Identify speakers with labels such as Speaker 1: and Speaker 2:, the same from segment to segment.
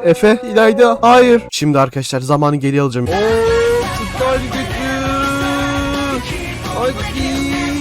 Speaker 1: Efe, İlayda, hayır. Şimdi arkadaşlar zamanı geri alacağım. Iptal gücü. Hadi.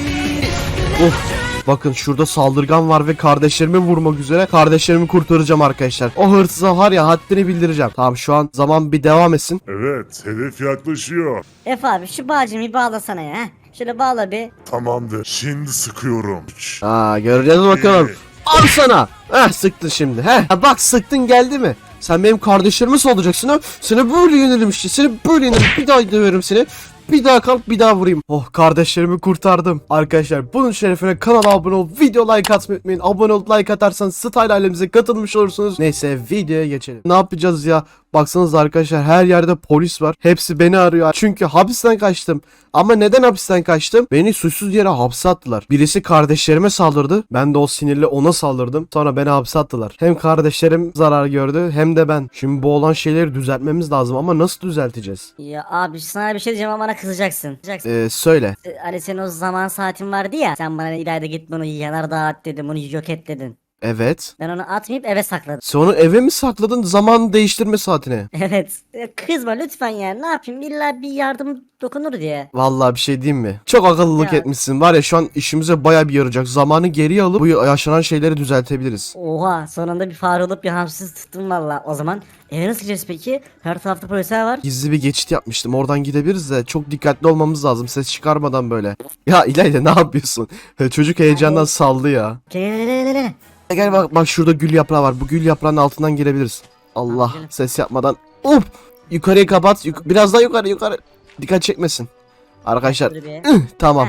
Speaker 1: Bakın şurada saldırgan var ve kardeşlerimi vurmak üzere. Kardeşlerimi kurtaracağım arkadaşlar. O hırsıza var ya, haddini bildireceğim. Tamam, şu an zaman bir devam etsin.
Speaker 2: Evet, hedef yaklaşıyor.
Speaker 3: Efe abi şu bağcımı bir bağlasana ya. Şöyle bağla bir.
Speaker 2: Tamamdır. Şimdi sıkıyorum.
Speaker 1: Göreceğiz bakalım. Al sana. Sıktın şimdi. Bak, sıktın, geldi mi? Sen benim kardeşlerime saldıracaksın ha. Seni böyle yenelim işte. Seni böyle yenelim. Bir daha döverim seni. Bir daha kalk, bir daha vurayım. Oh, kardeşlerimi kurtardım. Arkadaşlar bunun şerefine kanala abone olup video like atmayı unutmayın. Abone olup like atarsanız Style ailemize katılmış olursunuz. Neyse, videoya geçelim. Ne yapacağız ya? Baksanıza arkadaşlar, her yerde polis var. Hepsi beni arıyor. Çünkü hapisten kaçtım. Ama neden hapisten kaçtım? Beni suçsuz yere hapse attılar. Birisi kardeşlerime saldırdı. Ben de o sinirle ona saldırdım. Sonra beni hapse attılar. Hem kardeşlerim zarar gördü hem de ben. Şimdi bu olan şeyleri düzeltmemiz lazım ama nasıl düzelteceğiz?
Speaker 3: Ya abi sana bir şey diyeceğim ama bana kızacaksın.
Speaker 1: Söyle.
Speaker 3: Hani senin o zaman saatin vardı ya. Sen bana ileride git bunu yanardağ at dedin. Bunu yok et dedin.
Speaker 1: Evet.
Speaker 3: Ben onu atmayıp eve sakladım.
Speaker 1: Sonra eve mi sakladın zaman değiştirme saatine?
Speaker 3: Evet. Kızma lütfen ya. Ne yapayım? İlla bir yardım dokunur diye.
Speaker 1: Vallahi bir şey diyeyim mi? Çok akıllılık
Speaker 3: Ya.
Speaker 1: etmişsin. Var ya, şu an işimize baya bir yarayacak. Zamanı geriye alıp bu yaşanan şeyleri düzeltebiliriz.
Speaker 3: Oha sonunda bir fare olup bir hamsız tuttum valla. O zaman eve nasıl gideceğiz peki? Her tarafta polisler var.
Speaker 1: Gizli bir geçit yapmıştım. Oradan gidebiliriz de çok dikkatli olmamız lazım. Ses çıkarmadan böyle. Ya İlayda, ne yapıyorsun? Çocuk heyecandan saldı ya.
Speaker 3: Gel.
Speaker 1: Gel bak şurada gül yaprağı var. Bu gül yaprağının altından girebiliriz. Allah,
Speaker 3: Tamam,
Speaker 1: ses yapmadan. Hop! Yukarıya kapat. Biraz daha yukarı. Dikkat çekmesin. Arkadaşlar. Tamam.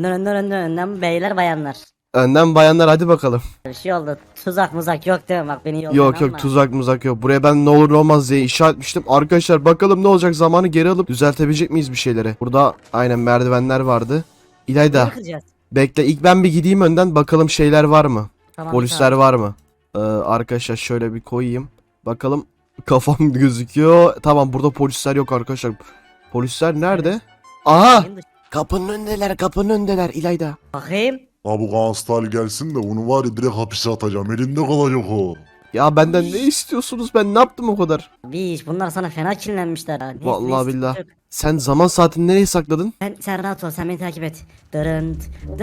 Speaker 3: Önden beyler bayanlar.
Speaker 1: Önden bayanlar, hadi bakalım.
Speaker 3: Bir şey oldu. Tuzak yok değil mi? Bak beni yoldan
Speaker 1: Yok
Speaker 3: alma.
Speaker 1: tuzak muzak yok. Buraya ben ne olur ne olmaz diye işaret etmiştim. Arkadaşlar bakalım ne olacak, zamanı geri alıp düzeltebilecek miyiz bir şeyleri? Burada aynen merdivenler vardı. İlayda
Speaker 3: Bunu kıracağız.
Speaker 1: bekle, ilk ben bir gideyim önden, bakalım şeyler var mı?
Speaker 3: Tamam,
Speaker 1: Polisler var mı? Arkadaşlar şöyle bir koyayım. Bakalım, kafam gözüküyor. Tamam, burada polisler yok arkadaşlar. Polisler nerede? Aha! Kapının önündeler İlayda.
Speaker 3: Bakayım.
Speaker 2: Ha bu Ganstal gelsin de onu var ya direkt hapise atacağım. Elinde kalacak o.
Speaker 1: Ya benden ne istiyorsunuz? Ben ne yaptım o kadar?
Speaker 3: Biş bunlar sana fena kinlenmişler ha. Neyse,
Speaker 1: Vallahi
Speaker 3: neyse,
Speaker 1: billah.
Speaker 3: yok.
Speaker 1: Sen zaman saatini nereye sakladın?
Speaker 3: Sen rahat ol, sen beni takip et. Dırın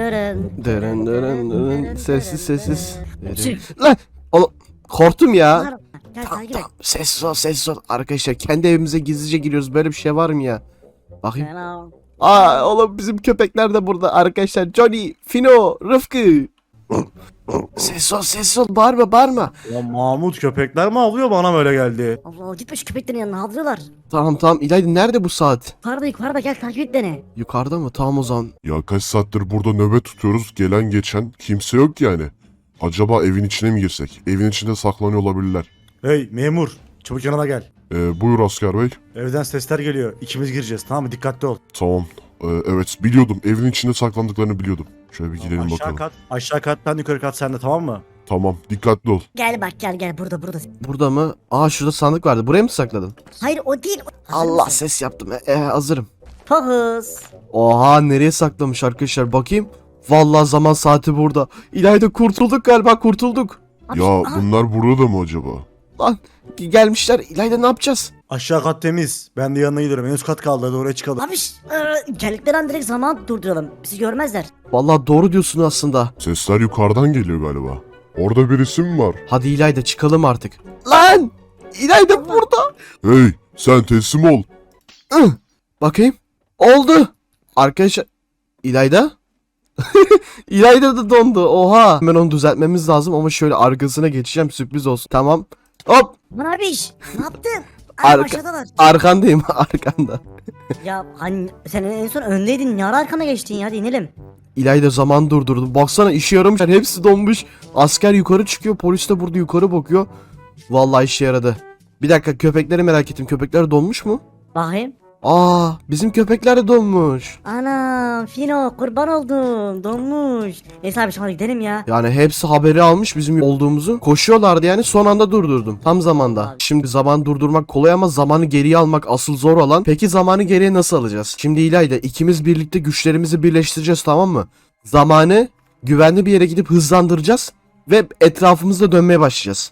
Speaker 1: Dırın. Sessiz.
Speaker 3: Çık.
Speaker 1: Lan! Oğlum, korktum ya.
Speaker 3: Gel
Speaker 1: Tamam,
Speaker 3: takip et.
Speaker 1: sessiz ol. Arkadaşlar kendi evimize gizlice giriyoruz. Böyle bir şey var mı ya? Bakayım.
Speaker 3: Fena.
Speaker 1: Oğlum bizim köpekler de burada arkadaşlar. Johnny, Fino, Rıfkı. Sessiz ol. Bağırma.
Speaker 4: Ya Mahmut, köpekler mi avlıyor, bana böyle geldi.
Speaker 3: Allah gitme şu köpeklerin yanına, havlıyorlar.
Speaker 1: Tamam. İlayda nerede bu saat?
Speaker 3: Yukarıda gel takip et beni.
Speaker 1: Yukarıda mı? Tamam o zaman.
Speaker 2: Ya kaç saattir burada nöbet tutuyoruz. Gelen geçen kimse yok yani. Acaba evin içine mi girsek? Evin içinde saklanıyor olabilirler.
Speaker 4: Hey memur, çabuk yanıma gel.
Speaker 2: Buyur asker bey.
Speaker 4: Evden sesler geliyor. İkimiz gireceğiz, tamam mı? Dikkatli ol.
Speaker 2: Tamam. Evet biliyordum. Evin içinde saklandıklarını biliyordum. Şöyle bir gidelim
Speaker 4: Aşağı
Speaker 2: bakalım.
Speaker 4: kat, aşağı kattan yukarı kat sende, tamam mı?
Speaker 2: Tamam. Dikkatli ol.
Speaker 3: Gel bak gel burada.
Speaker 1: Burada mı? Şurada sandık vardı. Buraya mı sakladın?
Speaker 3: Hayır o değil. Hazır
Speaker 1: Allah,
Speaker 3: mısın?
Speaker 1: ses yaptım. Hazırım.
Speaker 3: Pohuz.
Speaker 1: Oha, nereye saklamış arkadaşlar, bakayım. Vallahi zaman saati burada. İlayda kurtulduk galiba, kurtulduk.
Speaker 3: Abi,
Speaker 2: Ya
Speaker 3: aha,
Speaker 2: bunlar burada mı acaba?
Speaker 1: Lan gelmişler. İlayda ne yapacağız?
Speaker 4: Aşağı kat temiz. Ben de yanına gidiyorum. En üst kat kaldı, hadi oraya çıkalım.
Speaker 3: Abi geldikleri an direkt zaman durduralım. Bizi görmezler.
Speaker 1: Vallahi doğru diyorsun aslında.
Speaker 2: Sesler yukarıdan geliyor galiba. Orada birisi mi var?
Speaker 1: Hadi İlayda çıkalım artık. Lan! İlayda burada.
Speaker 2: Hey sen teslim ol.
Speaker 1: Bakayım. Oldu. Arkadaşlar. İlayda? İlayda da dondu. Oha. Hemen onu düzeltmemiz lazım ama şöyle arkasına geçeceğim, sürpriz olsun. Tamam. Hop.
Speaker 3: Aman abi ne yaptın?
Speaker 1: Arka-
Speaker 3: Aşağıdalar.
Speaker 1: Arkandayım. Arkanda.
Speaker 3: Ya hani sen en son öndeydin. Ne ara arkana geçtin ya, inelim.
Speaker 1: İlayda zaman durdurdu. Baksana, işe yaramış. Hepsi donmuş. Asker yukarı çıkıyor. Polis de burada yukarı bakıyor. Vallahi işe yaradı. Bir dakika, köpekleri merak ettim. Köpekler donmuş mu?
Speaker 3: Bakayım.
Speaker 1: Bizim köpekler de donmuş.
Speaker 3: Anam Fino kurban oldum. Donmuş. Neyse abi hadi gidelim ya.
Speaker 1: Yani hepsi haberi almış bizim olduğumuzu. Koşuyorlardı yani, son anda durdurdum. Tam zamanda.
Speaker 3: Abi.
Speaker 1: Şimdi zaman durdurmak kolay ama zamanı geriye almak asıl zor olan. Peki zamanı geriye nasıl alacağız? Şimdi İlayda, ikimiz birlikte güçlerimizi birleştireceğiz, tamam mı? Zamanı güvenli bir yere gidip hızlandıracağız ve etrafımızda dönmeye başlayacağız.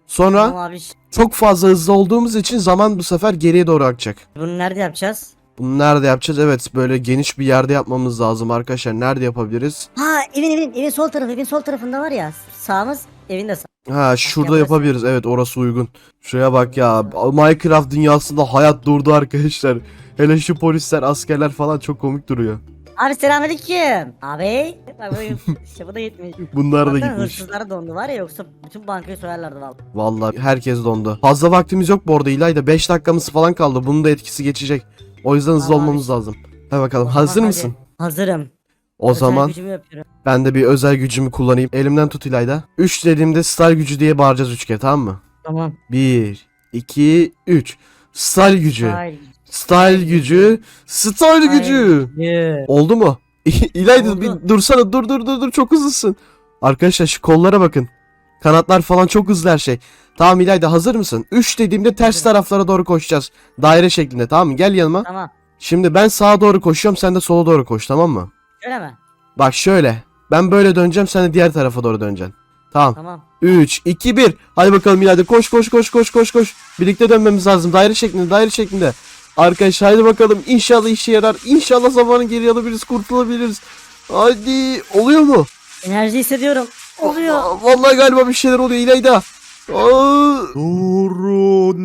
Speaker 1: Sonra
Speaker 3: Tamam abi.
Speaker 1: çok fazla hızlı olduğumuz için zaman bu sefer geriye doğru akacak.
Speaker 3: Bunu nerede yapacağız?
Speaker 1: Bunu nerede yapacağız? Evet, böyle geniş bir yerde yapmamız lazım arkadaşlar. Nerede yapabiliriz?
Speaker 3: Ha evin sol tarafı. Evin sol tarafında var ya. Sağımız evin de sağ.
Speaker 1: Ha, şurada
Speaker 3: yaparız.
Speaker 1: yapabiliriz. Evet, orası uygun. Şuraya bak ya. Minecraft dünyasında hayat durdu arkadaşlar. Hele şu polisler, askerler falan çok komik duruyor.
Speaker 3: Abi selamünaleyküm. Abi. Bak bu bu da gitmiş.
Speaker 1: Bunlar da
Speaker 3: Hatta
Speaker 1: gitmiş.
Speaker 3: hırsızlar dondu var ya, yoksa bütün bankayı soyarlardı vallahi.
Speaker 1: Vallahi herkes dondu. Fazla vaktimiz yok bu arada İlayda. 5 dakikamız falan kaldı. Bunun da etkisi geçecek. O yüzden hızlı
Speaker 3: Tamam
Speaker 1: olmamız
Speaker 3: abi.
Speaker 1: lazım. Hadi bakalım.
Speaker 3: O zaman
Speaker 1: Hazır
Speaker 3: hadi.
Speaker 1: mısın?
Speaker 3: Hazırım.
Speaker 1: O
Speaker 3: Özel
Speaker 1: zaman
Speaker 3: gücümü yapıyorum.
Speaker 1: ben de bir özel gücümü kullanayım. Elimden tut İlayda. 3 dediğimde star gücü diye bağıracağız 3 kere, tamam mı?
Speaker 3: Tamam.
Speaker 1: 1, 2, 3. Style gücü.
Speaker 3: Hayır.
Speaker 1: Style gücü. Style gücü.
Speaker 3: Yeah.
Speaker 1: Oldu mu? İlayda
Speaker 3: Oldu.
Speaker 1: bir dursana. Dur. Çok hızlısın. Arkadaşlar şu kollara bakın. Kanatlar falan çok hızlı her şey. Tamam İlayda, hazır mısın? 3 dediğimde ters
Speaker 3: Hazırım.
Speaker 1: taraflara doğru koşacağız. Daire şeklinde, tamam mı? Gel yanıma.
Speaker 3: Tamam.
Speaker 1: Şimdi ben sağa doğru koşuyorum, sen de sola doğru koş, tamam mı?
Speaker 3: Öyle mi?
Speaker 1: Bak şöyle. Ben böyle döneceğim, sen de diğer tarafa doğru döneceksin. Tamam.
Speaker 3: Tamam.
Speaker 1: 3, 2, 1. Hadi bakalım İlayda, koş. Birlikte dönmemiz lazım. Daire şeklinde. Arkadaşlar hadi bakalım. İnşallah işe yarar. İnşallah zamanı geri alabiliriz, kurtulabiliriz. Hadi. Oluyor mu?
Speaker 3: Enerji hissediyorum. Oluyor.
Speaker 1: Vallahi galiba bir şeyler oluyor İlayda. Aa,
Speaker 4: Doğru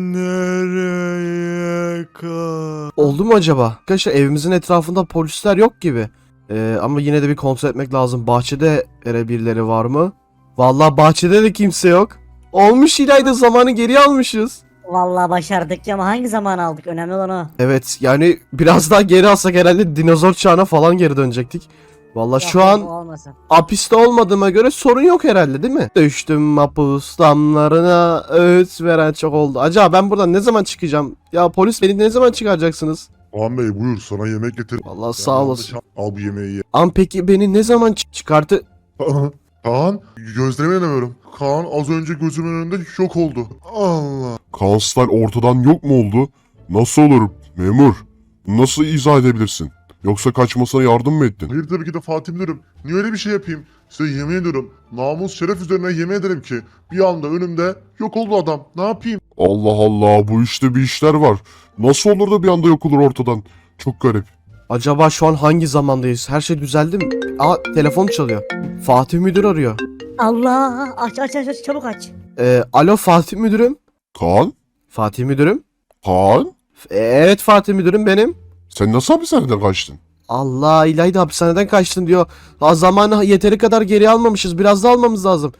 Speaker 4: nereye kadar?
Speaker 1: oldu mu acaba? Arkadaşlar evimizin etrafında polisler yok gibi. Ama yine de bir kontrol etmek lazım. Bahçede birileri var mı? Vallahi bahçede de kimse yok. Olmuş İlayda, zamanı geri almışız.
Speaker 3: Vallahi başardık ya, ama hangi zaman aldık? Önemli olan o.
Speaker 1: Evet, yani biraz daha geri alsak herhalde dinozor çağına falan geri dönecektik. Vallahi şu
Speaker 3: Yok,
Speaker 1: an
Speaker 3: o olmasın.
Speaker 1: hapiste olmadığıma göre sorun yok herhalde, değil mi? Düştüm mahpus damlarına, öğüt veren çok oldu. Acaba ben buradan ne zaman çıkacağım? Ya polis, beni ne zaman çıkaracaksınız?
Speaker 2: Kaan Bey buyur sana yemek getir.
Speaker 1: Vallahi sağ olasın.
Speaker 2: Al bu yemeği ye.
Speaker 1: Am peki beni ne zaman çıkartı...
Speaker 2: Kaan gözlerime inanamıyorum. Kaan az önce gözümün önünde yok oldu. Allah. Kaan Style ortadan yok mu oldu? Nasıl olur memur? Nasıl izah edebilirsin? Yoksa kaçmasına yardım mı ettin? Hayır tabii ki de Fatih Müdürüm. Niye öyle bir şey yapayım? Size yemin ediyorum. Namus şeref üzerine yemin ederim ki bir anda önümde yok oldu adam. Ne yapayım? Allah Allah, bu işte bir işler var. Nasıl olur da bir anda yok olur ortadan? Çok garip.
Speaker 1: Acaba şu an hangi zamandayız? Her şey düzeldi mi? Aa, telefon çalıyor. Fatih Müdür arıyor.
Speaker 3: Allah, aç çabuk aç.
Speaker 1: Alo Fatih Müdürüm.
Speaker 2: Kaan?
Speaker 1: Fatih Müdürüm.
Speaker 2: Kaan?
Speaker 1: Evet Fatih Müdürüm benim.
Speaker 2: Sen nasıl hapishaneden kaçtın?
Speaker 1: Allah, İlayda hapishaneden kaçtın diyor. Ha, zamanı yeteri kadar geri almamışız. Biraz da almamız lazım.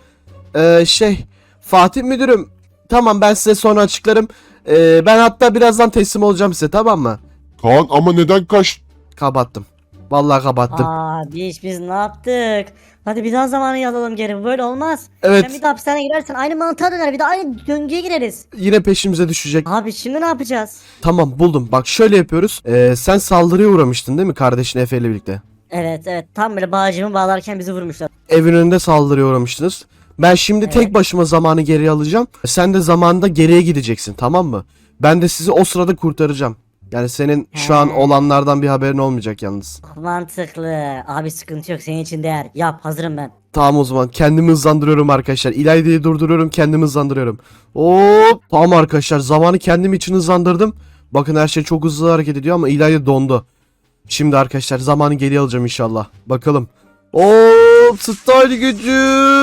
Speaker 1: Fatih Müdürüm. Tamam, ben size sonra açıklarım. Ben hatta birazdan teslim olacağım size, tamam mı?
Speaker 2: Kaan ama neden kaçtın?
Speaker 1: Kapattım. Vallahi kapattım.
Speaker 3: Biz ne yaptık? Hadi bir daha zamanı alalım geri. Bu böyle olmaz.
Speaker 1: Evet.
Speaker 3: Sen bir daha hapishaneye girersen aynı mantığa döner. Bir de aynı döngüye gireriz.
Speaker 1: Yine peşimize düşecek.
Speaker 3: Abi şimdi ne yapacağız?
Speaker 1: Tamam, buldum. Bak şöyle yapıyoruz. Sen saldırıya uğramıştın değil mi kardeşin Efe ile birlikte?
Speaker 3: Evet. Tam böyle bağcımı bağlarken bizi vurmuşlar.
Speaker 1: Evin önünde saldırıya uğramıştınız. Ben şimdi tek başıma zamanı geri alacağım. Sen de zamanında geriye gideceksin, tamam mı? Ben de sizi o sırada kurtaracağım. Yani senin şu an olanlardan bir haberin olmayacak yalnız.
Speaker 3: Mantıklı. Abi sıkıntı yok. Senin için değer. Yap. Hazırım ben.
Speaker 1: Tamam, o zaman kendimi hızlandırıyorum arkadaşlar. İlayda'yı durduruyorum, kendimi hızlandırıyorum. Hop! Tamam arkadaşlar, zamanı kendim için hızlandırdım. Bakın her şey çok hızlı hareket ediyor ama İlayda dondu. Şimdi arkadaşlar zamanı geri alacağım inşallah. Bakalım. Hop! Style gücü!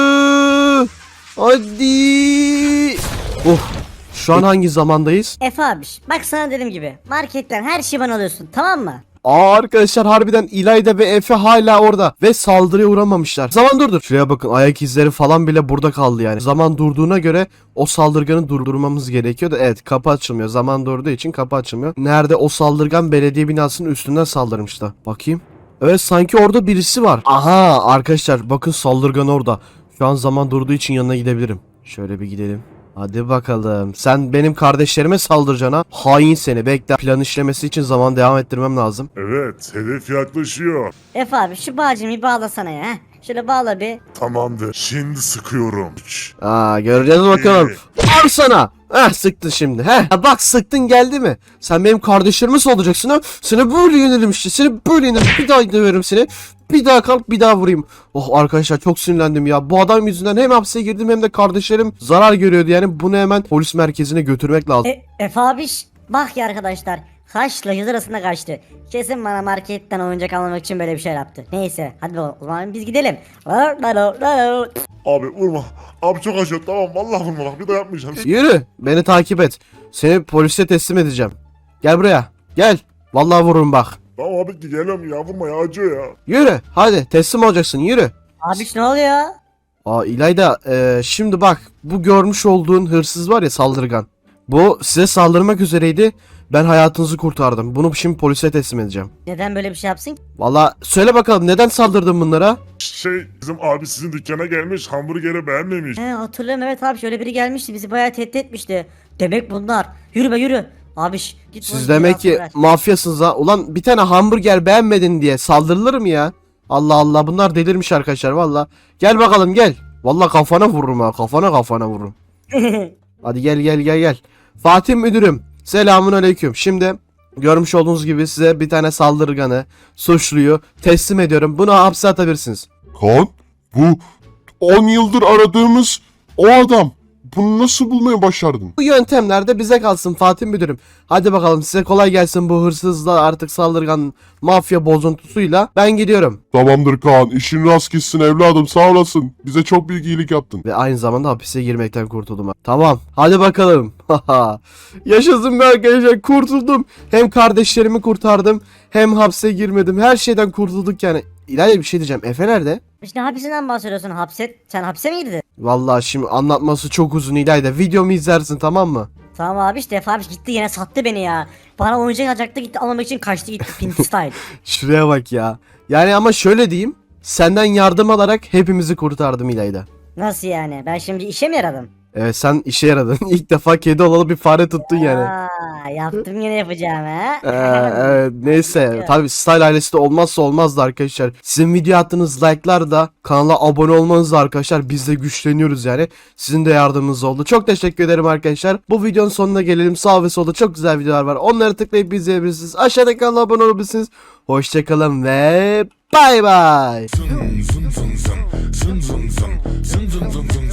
Speaker 1: Hadi! Şu an hangi zamandayız?
Speaker 3: Efe abiş. Bak sana dediğim gibi. Marketten her şeyi bana alıyorsun. Tamam mı?
Speaker 1: Arkadaşlar harbiden İlayda ve Efe hala orada ve saldırıya uğramamışlar. Zaman durdur. Şuraya bakın, ayak izleri falan bile burada kaldı yani. Zaman durduğuna göre o saldırganı durdurmamız gerekiyor da evet, kapı açılmıyor. Zaman durduğu için kapı açılmıyor. Nerede o saldırgan? Belediye binasının üstünden saldırmıştı. Bakayım. Evet, sanki orada birisi var. Aha arkadaşlar bakın, saldırgan orada. Şu an zaman durduğu için yanına gidebilirim. Şöyle bir gidelim. Hadi bakalım. Sen benim kardeşlerime saldıracaksın ha. Hain seni. Bekle. Plan işlemesi için zaman devam ettirmem lazım.
Speaker 2: Evet, hedef yaklaşıyor.
Speaker 3: Efe abi şu bağcımı bir bağlasana ya. Şöyle bağla bir.
Speaker 2: Tamamdır. Şimdi sıkıyorum.
Speaker 1: Göreceğiz bakalım. Al sana. Sıktın şimdi. Bak sıktın geldi mi? Sen benim kardeşlerim nasıl olacaksın ha? Seni böyle yenilirim işte. Seni böyle yenilirim. Bir daha döverim seni. Bir daha kalk bir daha vurayım. Oh arkadaşlar çok sinirlendim ya. Bu adam yüzünden hem hapse girdim hem de kardeşlerim zarar görüyordu. Yani bunu hemen polis merkezine götürmek lazım.
Speaker 3: Efe abiş bak ya arkadaşlar. Kaşla yüz arasında kaçtı. Kesin bana marketten oyuncak almak için böyle bir şey yaptı. Neyse hadi o zaman biz gidelim.
Speaker 2: Abi vurma. Abi çok acıyor tamam vallahi vurma bak bir daha yapmayacağım.
Speaker 1: Yürü beni takip et. Seni polise teslim edeceğim. Gel buraya. Gel. Vallahi vururum bak.
Speaker 2: Tamam abi geliyorum ya vurma ya acıyor ya.
Speaker 1: Yürü. Hadi teslim olacaksın. Yürü.
Speaker 3: Abiş ne oluyor?
Speaker 1: İlayda şimdi bak bu görmüş olduğun hırsız var ya saldırgan. Bu size saldırmak üzereydi. Ben hayatınızı kurtardım. Bunu şimdi polise teslim edeceğim.
Speaker 3: Neden böyle bir şey yapsın ki?
Speaker 1: Valla söyle bakalım neden saldırdın bunlara?
Speaker 2: Bizim abi sizin dükkana gelmiş hamburgeri beğenmemiş.
Speaker 3: Hatırlıyorum evet abi şöyle biri gelmişti bizi bayağı tehdit etmişti. Demek bunlar. Yürü be yürü. Abiş git.
Speaker 1: Siz demek ki mafyasınız ha. Ulan bir tane hamburger beğenmedin diye saldırılır mı ya? Allah Allah bunlar delirmiş arkadaşlar valla. Gel bakalım gel. Valla kafana vururum ha. Kafana vururum. Hadi gel. Fatih müdürüm. Selamun aleyküm. Şimdi görmüş olduğunuz gibi size bir tane saldırganı, suçluyu teslim ediyorum. Bunu hapse atabilirsiniz.
Speaker 2: Kaan bu 10 yıldır aradığımız o adam. Bunu nasıl bulmayı başardın?
Speaker 1: Bu yöntemler de bize kalsın Fatih müdürüm. Hadi bakalım size kolay gelsin bu hırsızla artık saldırgan mafya bozuntusuyla. Ben gidiyorum.
Speaker 2: Tamamdır Kaan işin rast gitsin evladım sağ olasın. Bize çok büyük iyilik yaptın.
Speaker 1: Ve aynı zamanda hapise girmekten kurtuldum. Tamam hadi bakalım. Yaşasın be arkadaşlar kurtuldum. Hem kardeşlerimi kurtardım hem hapse girmedim. Her şeyden kurtulduk yani. İlayda bir şey diyeceğim. Efe nerede?
Speaker 3: İşte hapisinden bahsediyorsun sen hapse mi girdin?
Speaker 1: Vallahi şimdi anlatması çok uzun İlayda. Videomu izlersin tamam mı?
Speaker 3: Tamam abi işte Efe abi gitti yine sattı beni ya. Bana oyuncak alacaktı gitti almamak için kaçtı gitti Pinky Style.
Speaker 1: Şuraya bak ya. Yani ama şöyle diyeyim. Senden yardım alarak hepimizi kurtardım İlayda.
Speaker 3: Nasıl yani ben şimdi işe mi yaradım?
Speaker 1: Evet sen işe yaradın. İlk defa kedi olalı bir fare tuttun yani.
Speaker 3: Yaptım yine yapacağım ha.
Speaker 1: Evet, neyse tabi Style ailesi de olmazsa olmazdı arkadaşlar. Sizin video attığınız like'lar da kanala abone olmanız da arkadaşlar biz de güçleniyoruz yani. Sizin de yardımınız oldu. Çok teşekkür ederim arkadaşlar. Bu videonun sonuna gelelim. Sağ ve solda çok güzel videolar var. Onları tıklayıp izleyebilirsiniz. Aşağıdaki kanala abone olabilirsiniz. Hoşçakalın ve bay bay.
Speaker 5: Zın zın zın zın zın zın zın zın zın zın zın